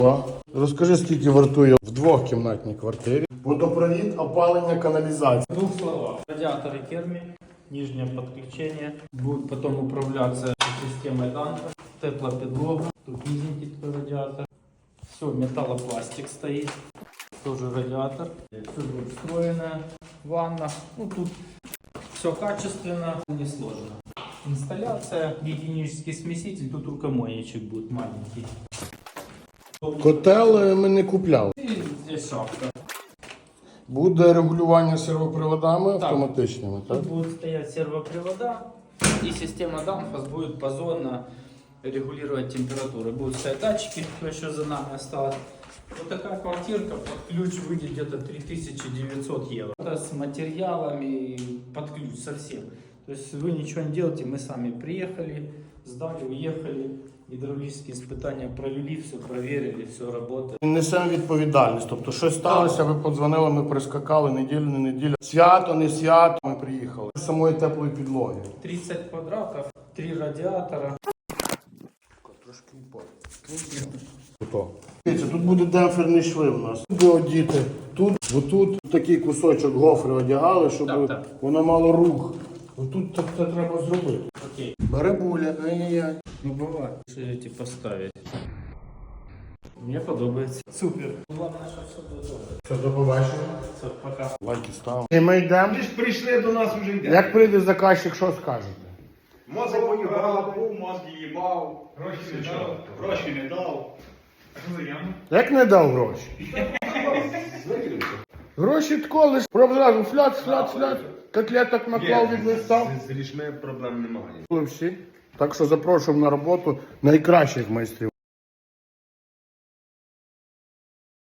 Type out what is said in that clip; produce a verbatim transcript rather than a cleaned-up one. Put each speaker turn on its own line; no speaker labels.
О, розкажи, скільки вартує в двохкімнатній квартирі водопровід, опалення, каналізація.
В двух словах. Радиаторы Керми, нижнее подключение. Будет потом управляться системой Данко. Теплоподлога. Тут низенький такой радиатор. Все, металлопластик стоит. Тоже радиатор. Все будет встроенная ванна. Ну тут все качественно, не сложно. Инсталляция, гигиенический смеситель. Тут рукомойничек будет маленький.
Котел ми не купляли.
И здесь шапка.
Буде регулювання сервоприводами автоматичними, так?
Тут будут стоять сервопривода, и система Danfoss будет позонно регулировать температуру. Будут стоять датчики, кто еще за нами осталось. Вот такая квартирка под ключ выйдет где-то три тысячи девятьсот евро. Это с материалами под ключ совсем. То есть вы ничего не делаете, мы сами приехали, сдали, уехали. Гідравлічні испытания провели, все проверили, все работает.
Несемо відповідальність. Тобто щось сталося, ви подзвонили, ми прискакали, неділю, не неділя. Свято, не свято, ми приїхали. З самої теплої підлоги.
тридцать квадратов, три радиатора.
Трошки упав. Тут буде демпферний шви у нас. Тут одіти. Тут, отут такий кусочок гофри одягали, щоб
Так, так.
воно мало рух. Отут так це треба зробити.
Окей.
Бере буля, ай-яй-яй.
Ну бывает. Что эти поставить? Мне подобается. Супер. Главное, что все будет добре.
Все, до побачення.
Все, пока.
Лайки став. І ми йдемо.
Ти ж прийшли до нас вже йде.
Як прийде заказчик, що скажете?
Мозок поїбав, був, мозки їбав, гроші не дав, гроші не дав.
Як не дав гроші? Гроші тако, лиш проб зразу фляц, фляц, фляц. Котлеток наклав від листа.
З грішми проблем немає.
Були всі. Так що запрошуємо на роботу найкращих майстрів.